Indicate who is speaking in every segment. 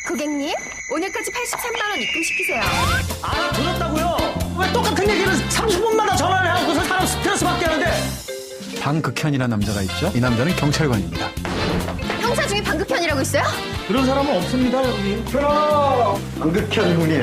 Speaker 1: 고객님, 오늘까지 83만 원 입금시키세요.
Speaker 2: 들었다고요? 왜 똑같은 얘기를 30분마다 전화를 하고서 사람 스트레스받게 하는데?
Speaker 3: 방극현이라는 남자가 있죠. 이 남자는 경찰관입니다.
Speaker 1: 형사 중에 방극현이라고 있어요?
Speaker 2: 그런 사람은 없습니다, 여기.
Speaker 3: 방극현 형님.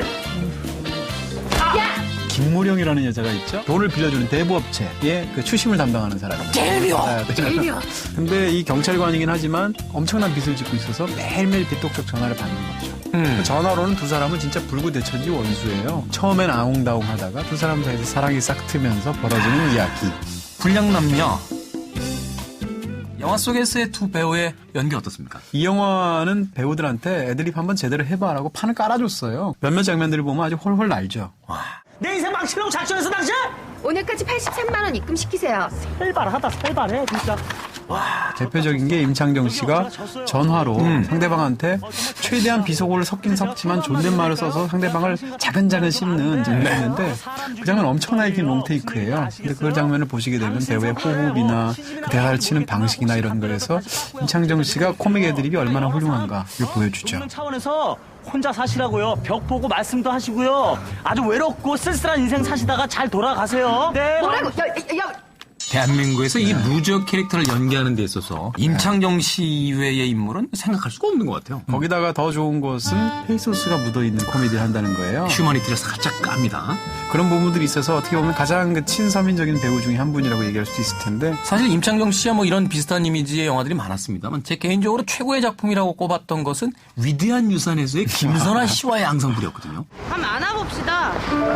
Speaker 1: 야!
Speaker 3: 김무령이라는 여자가 있죠. 돈을 빌려주는 대부업체의 그 추심을 담당하는 사람입니다.
Speaker 2: 제일 미워!
Speaker 1: 제일 미워.
Speaker 3: 근데 이 경찰관이긴 하지만 엄청난 빚을 짓고 있어서 매일매일 빚독촉 전화를 받는 거죠. 그 전화로는 두 사람은 진짜 불구대천지 원수예요. 처음엔 아웅다웅 하다가 두 사람 사이에서 사랑이 싹 트면서 벌어지는 이야기.
Speaker 4: 불량남녀. 영화 속에서의 두 배우의 연기 어떻습니까?
Speaker 3: 이 영화는 배우들한테 애드립 한번 제대로 해봐라고 판을 깔아줬어요. 몇몇 장면들을 보면 아주 홀홀 날죠.
Speaker 2: 내 인생 망치려고 작정해서 당신?
Speaker 1: 오늘까지 83만 원 입금시키세요.
Speaker 2: 살발하다, 살발해, 진짜.
Speaker 3: 대표적인 게 임창정 씨가 전화로 상대방한테 최대한 비속어를 섞긴 섞지만 존댓말을 써서 상대방을 자근자근 씹는 장면인데 그 장면 엄청나게 긴 롱테이크예요. 근데 그 장면을 보시게 되면 배우의 호흡이나 그 대사를 치는 방식이나 이런 거에서 임창정 씨가 코믹 애드립이 얼마나 훌륭한가 이걸 보여주죠.
Speaker 2: 그런 차원에서 혼자 사시라고요. 벽 보고 말씀도 하시고요. 아주 외롭고 쓸쓸한 인생 사시다가 잘 돌아가세요. 네.
Speaker 1: 뭐라고? 야!
Speaker 4: 대한민국에서 이 루저 캐릭터를 연기하는 데 있어서 임창정 씨 이외의 인물은 생각할 수가 없는 것 같아요.
Speaker 3: 거기다가 더 좋은 것은 페이소스가 묻어있는 코미디를 한다는 거예요.
Speaker 4: 휴머니티를 살짝 깝니다.
Speaker 3: 그런 부분들이 있어서 어떻게 보면 가장 그 친서민적인 배우 중에 한 분이라고 얘기할 수도 있을 텐데
Speaker 4: 사실 임창정 씨와 뭐 이런 비슷한 이미지의 영화들이 많았습니다만 제 개인적으로 최고의 작품이라고 꼽았던 것은 위대한 유산에서의 김선아 씨와의 앙상블이었거든요.
Speaker 5: 한번 안아봅시다.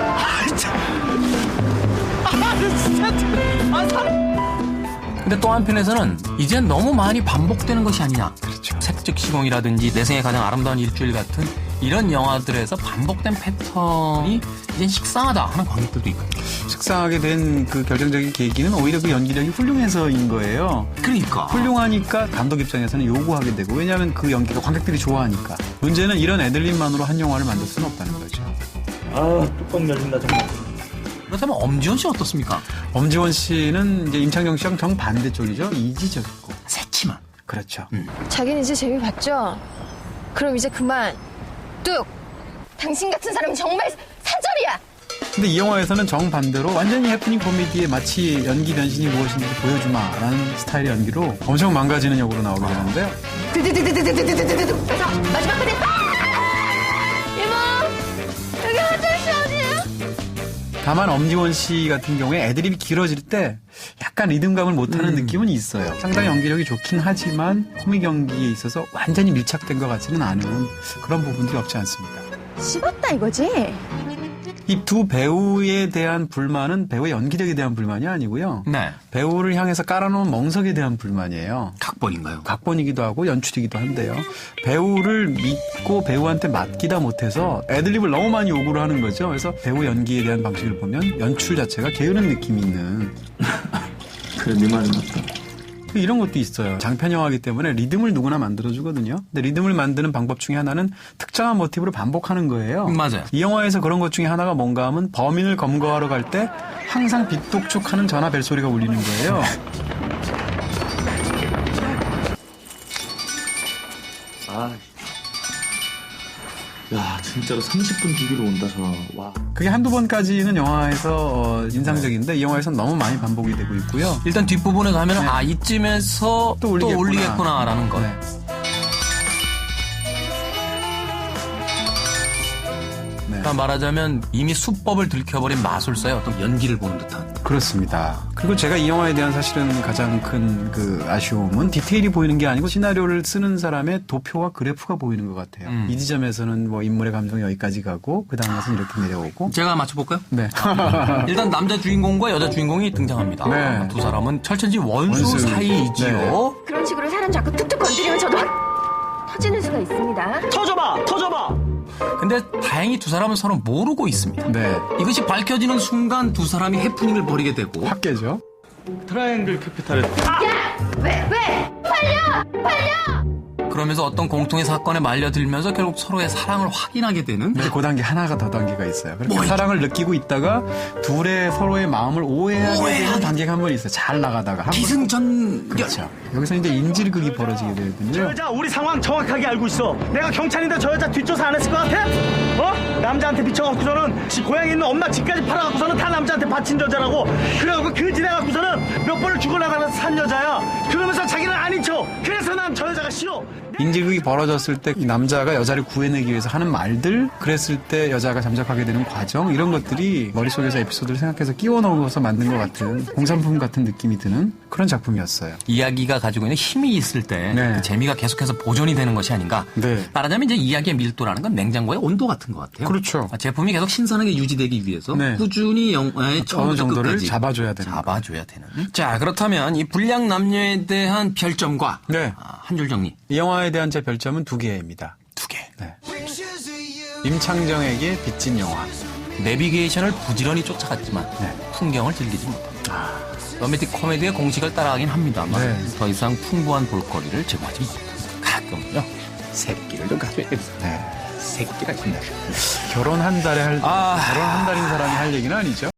Speaker 4: 근데 또 한편에서는 이젠 너무 많이 반복되는 것이 아니냐.
Speaker 3: 그렇죠.
Speaker 4: 색즉 시공이라든지 내 생의 가장 아름다운 일주일 같은 이런 영화들에서 반복된 패턴이 이젠 식상하다 하는 관객들도 있거든요.
Speaker 3: 식상하게 된 그 결정적인 계기는 오히려 그 연기력이 훌륭해서인 거예요.
Speaker 4: 그러니까.
Speaker 3: 훌륭하니까 감독 입장에서는 요구하게 되고 왜냐하면 그 연기가 관객들이 좋아하니까. 문제는 이런 애들림만으로 한 영화를 만들 수는 없다는 거죠.
Speaker 2: 뚜껑 열린다, 정말.
Speaker 4: 그렇다면 엄지원 씨 어떻습니까?
Speaker 3: 엄지원 씨는 이제 임창정 씨랑 정반대 쪽이죠. 이지적이고.
Speaker 4: 새침한.
Speaker 3: 그렇죠.
Speaker 1: 자기는 이제 재미 봤죠? 그럼 이제 그만. 뚝! 당신 같은 사람은 정말 사절이야!
Speaker 3: 근데 이 영화에서는 정반대로 완전히 해프닝 코미디에 마치 연기 변신이 무엇인지 보여주마라는 스타일의 연기로 엄청 망가지는 역으로 나오게 되는데요.
Speaker 1: 드드드드드드드드드드드. 그래서 마지막 끝에 이모! 여기 화장실 어디예요?
Speaker 3: 다만 엄지원 씨 같은 경우에 애드립이 길어질 때 약간 리듬감을 못하는 느낌은 있어요. 상당히 연기력이 좋긴 하지만 코믹 연기에 있어서 완전히 밀착된 것 같지는 않은 그런 부분들이 없지 않습니다.
Speaker 1: 씹었다 이거지?
Speaker 3: 이 두 배우에 대한 불만은 배우의 연기력에 대한 불만이 아니고요.
Speaker 4: 네.
Speaker 3: 배우를 향해서 깔아놓은 멍석에 대한 불만이에요.
Speaker 4: 각본인가요?
Speaker 3: 각본이기도 하고 연출이기도 한데요. 배우를 믿고 배우한테 맡기다 못해서 애드립을 너무 많이 요구를 하는 거죠. 그래서 배우 연기에 대한 방식을 보면 연출 자체가 게으른 느낌이 있는
Speaker 2: 그래, 네 말이 맞다.
Speaker 3: 이런 것도 있어요. 장편 영화이기 때문에 리듬을 누구나 만들어주거든요. 근데 리듬을 만드는 방법 중에 하나는 특정한 모티브를 반복하는 거예요.
Speaker 4: 맞아요.
Speaker 3: 이 영화에서 그런 것 중에 하나가 뭔가 하면 범인을 검거하러 갈 때 항상 빗독촉하는 전화 벨소리가 울리는 거예요.
Speaker 6: 야, 진짜로 30분 주기로 온다, 전화. 와.
Speaker 3: 그게 한두 번까지는 영화에서 인상적인데 이 영화에서는 너무 많이 반복이 되고 있고요.
Speaker 4: 일단 뒷부분에 가면 아 이쯤에서
Speaker 3: 또
Speaker 4: 또
Speaker 3: 올리겠구나.
Speaker 4: 올리겠구나라는 거.
Speaker 3: 네.
Speaker 4: 그러니까 말하자면 이미 수법을 들켜버린 마술사의 어떤 연기를 보는 듯한.
Speaker 3: 그렇습니다. 그리고 제가 이 영화에 대한 사실은 가장 큰 그 아쉬움은 디테일이 보이는 게 아니고 시나리오를 쓰는 사람의 도표와 그래프가 보이는 것 같아요. 이 지점에서는 뭐 인물의 감정이 여기까지 가고 그 다음 것은 이렇게 내려오고.
Speaker 4: 제가 맞춰볼까요?
Speaker 3: 네.
Speaker 4: 일단 남자 주인공과 여자 주인공이 등장합니다.
Speaker 3: 네.
Speaker 4: 두 사람은 철천지 원수
Speaker 3: 원수.
Speaker 4: 사이이지요.
Speaker 3: 네.
Speaker 1: 그런 식으로 사람 자꾸 툭툭 건드리면 저도 터지는 수가 있습니다.
Speaker 2: 터져봐!
Speaker 4: 근데 다행히 두 사람은 서로 모르고 있습니다.
Speaker 3: 네.
Speaker 4: 이것이 밝혀지는 순간 두 사람이 해프닝을 벌이게 되고
Speaker 3: 확 깨죠.
Speaker 6: 트라이앵글 캐피탈에
Speaker 1: 야! 왜? 팔려!
Speaker 4: 그러면서 어떤 공통의 사건에 말려들면서 결국 서로의 사랑을 확인하게 되는
Speaker 3: 근데 그 단계 하나가 더 단계가 있어요. 그렇게
Speaker 4: 뭐죠?
Speaker 3: 사랑을 느끼고 있다가 둘의 서로의 마음을 오해하게 되는 단계가 한 번 있어요. 잘 나가다가. 한 번.
Speaker 4: 기승전결.
Speaker 3: 그렇죠. 여기서 이제 인질극이 벌어지게
Speaker 2: 저
Speaker 3: 되거든요.
Speaker 2: 여자 우리 상황 정확하게 알고 있어. 내가 경찰인데 저 여자 뒷조사 안 했을 것 같아? 어? 남자한테 미쳐갖고서는 지 고향에 있는 엄마 집까지 팔아갖고서는 다 남자한테 바친 여자라고. 그래갖고 그 지나갖고서는 몇 번을 죽어나가면서 산 여자야. 그러면서 자기는 아닌 척. 그래서 난 저 여자가 싫어.
Speaker 3: 인질극이 벌어졌을 때 이 남자가 여자를 구해내기 위해서 하는 말들, 그랬을 때 여자가 잠적하게 되는 과정, 이런 것들이 머릿속에서 에피소드를 생각해서 끼워 넣어서 만든 것 같은 공산품 같은 느낌이 드는 그런 작품이었어요.
Speaker 4: 이야기가 가지고 있는 힘이 있을 때
Speaker 3: 네.
Speaker 4: 그 재미가 계속해서 보존이 되는 것이 아닌가.
Speaker 3: 네.
Speaker 4: 말하자면 이제 이야기의 밀도라는 건 냉장고의 온도 같은 것 같아요.
Speaker 3: 그렇죠.
Speaker 4: 제품이 계속 신선하게 유지되기 위해서
Speaker 3: 네.
Speaker 4: 꾸준히 영화의
Speaker 3: 어느
Speaker 4: 처음부터
Speaker 3: 정도를
Speaker 4: 끝까지
Speaker 3: 잡아줘야 되는.
Speaker 4: 잡아줘야 되는. 자, 그렇다면 이 불량 남녀에 대한 별점과
Speaker 3: 네.
Speaker 4: 한 줄 정리.
Speaker 3: 이 영화에 대한 제 별점은 2개입니다.
Speaker 4: 2개.
Speaker 3: 네. 임창정에게 빚진 영화.
Speaker 4: 내비게이션을 부지런히 쫓아갔지만
Speaker 3: 네.
Speaker 4: 풍경을 즐기지 못합니다. 로맨틱 코미디의 공식을 따라가긴 합니다만
Speaker 3: 네.
Speaker 4: 더 이상 풍부한 볼거리를 제공하지 못합니다. 가끔은요. 새끼를 좀 가져야 됩니다.
Speaker 3: 네.
Speaker 4: 새끼가 있습니다.
Speaker 3: 결혼 한 달인 사람이 할 얘기는 아니죠.